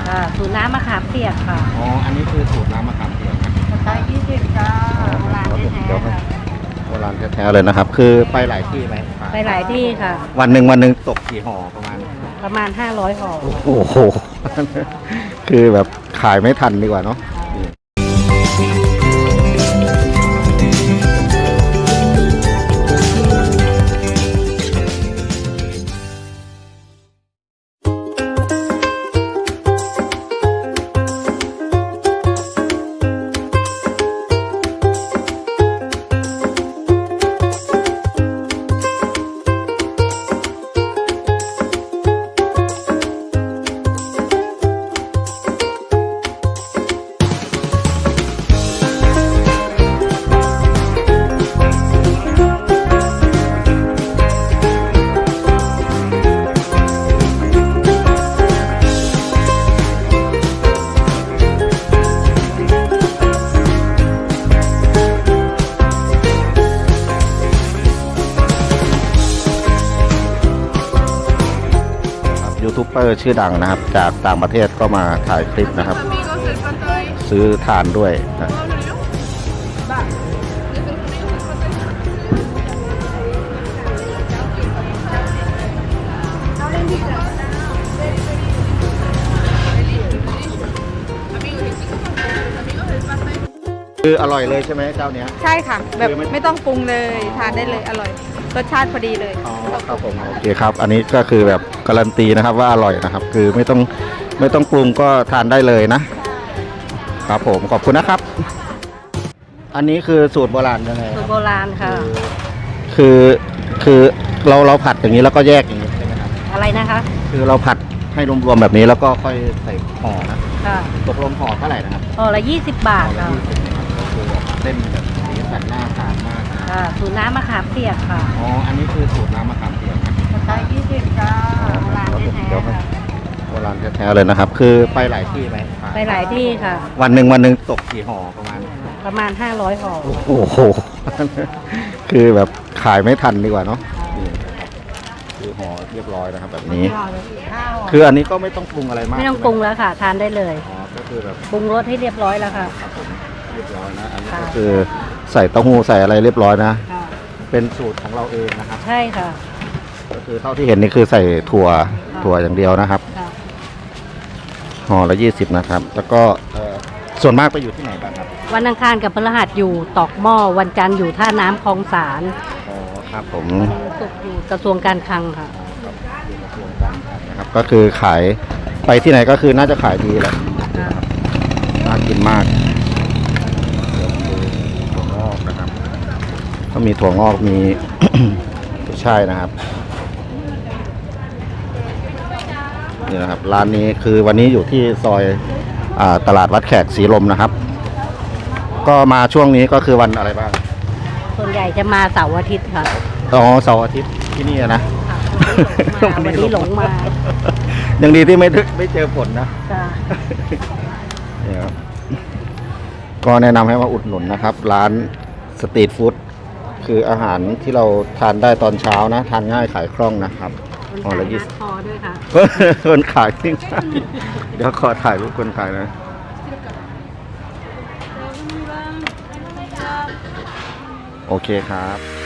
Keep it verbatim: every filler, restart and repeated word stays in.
ค่ะสูตรน้ำมะขามเปียกค่ะอ๋ออันนี้คือสูตรน้ำมะขามเปียกนะใช้ยี่สิบจ้าโบราณแท้ๆค่ะโบราณแท้ๆเลยนะครับคือไปหลายที่ไหมไปหลายที่ค่ะวันหนึ่งวันหนึ่งตกกี่ห่อประมาณประมาณห้าร้อยห่อโอ้โหคือแบบขายไม่ทันดีกว่าเนาะยูทูบเบอร์ชื่อดังนะครับจากต่างประเทศก็มาถ่ายคลิปนะครับซื้อทานด้วยนะคืออร่อยเลยใช่ไหมเจ้าเนี้ยใช่ค่ะแบบไม่ต้องปรุงเลยทานได้เลยอร่อยรสชาติพอดีเลยอ๋อครับผมโอเคครับอันนี้ก็คือแบบการันตีนะครับว่าอร่อยนะครับคือไม่ต้องไม่ต้องปรุงก็ทานได้เลยนะครับผมขอบคุณนะครับอันนี้คือสูตรโบราณยังไงสูตรโบราณค่ะคือคือเราเราผัดอย่างนี้แล้วก็แยกอย่างนี้ใช่ไหมครับอะไรนะคะคือเราผัดให้รวมๆแบบนี้แล้วก็ค่อยใส่ห่อนะค่ะตกลงห่อเท่าไหร่นะครับห่อละยี่สิบบาทค่ะเส้นแบบสีสันน่าทานมากค่ะสูตรน้ำมะขามเปียกค่ะอ๋ออันนี้คือสูตรน้ำมะขามเปียกนะใช้ยี่สิบจ้าโบราณแท้ๆค่ะโบราณแท้ๆเลยนะครับคือไปหลายที่ไหมไปหลายที่ค่ะวันหนึ่งวันหนึ่งตกกี่ห่อประมาณประมาณห้าร้อยห่อโอ้โหคือแบบขายไม่ทันดีกว่าเนาะคือห่อเรียบร้อยนะครับแบบนี้คืออันนี้ก็ไม่ต้องปรุงอะไรมากไม่ต้องปรุงแล้วค่ะทานได้เลยอ๋อก็คือแบบปรุงรสให้เรียบร้อยแล้วค่ะครับผมเรียบร้อยนะอันนี้ก็คือใส่เต้าหู้ใส่อะไรเรียบร้อยนะเป็นสูตรของเราเองนะครับใช่ค่ะก็คือเท่าที่เห็นนี่คือใส่ถั่วถั่วอย่างเดียวนะครับห่อละยี่สิบนะครับแล้วก็ส่วนมากไปอยู่ที่ไหนบ้างครับวันอังคารกับพฤหัสอยู่ตอกหม้อวันจันทร์อยู่ท่าน้ำคลองสารอ๋อครับผมศุกร์อยู่กระทรวงการคลังค่ะกระทรวงการคลังนะครับก็คือขายไปที่ไหนก็คือน่าจะขายดีแหละน่ากินมากถั่วงอกนะครับก็มีถั่วงอกมี ใช่นะครับนี่นะครับร้านนี้คือวันนี้อยู่ที่ซอยตลาดวัดแขกศรีลมนะครับก็มาช่วงนี้ก็คือวันอะไรบ้างส่วนใหญ่จะมาเสาร์อาทิตย์ค่ะอ๋อเสาร์อาทิตย์ที่นี่นะวันนี้หลงมายังดีที่ไม่ไม่เจอฝนนะนี่ครับก็แนะนำให้มาอุดหนุนนะครับร้านสตรีทฟู้ดคืออาหารที่เราทานได้ตอนเช้านะทานง่ายขายคล่องนะครับห่อละยี่สิบคอด้วยค่ะคนขายจริงเดี๋ยวขอถ่ายรูปคนขายนะโอเคครับ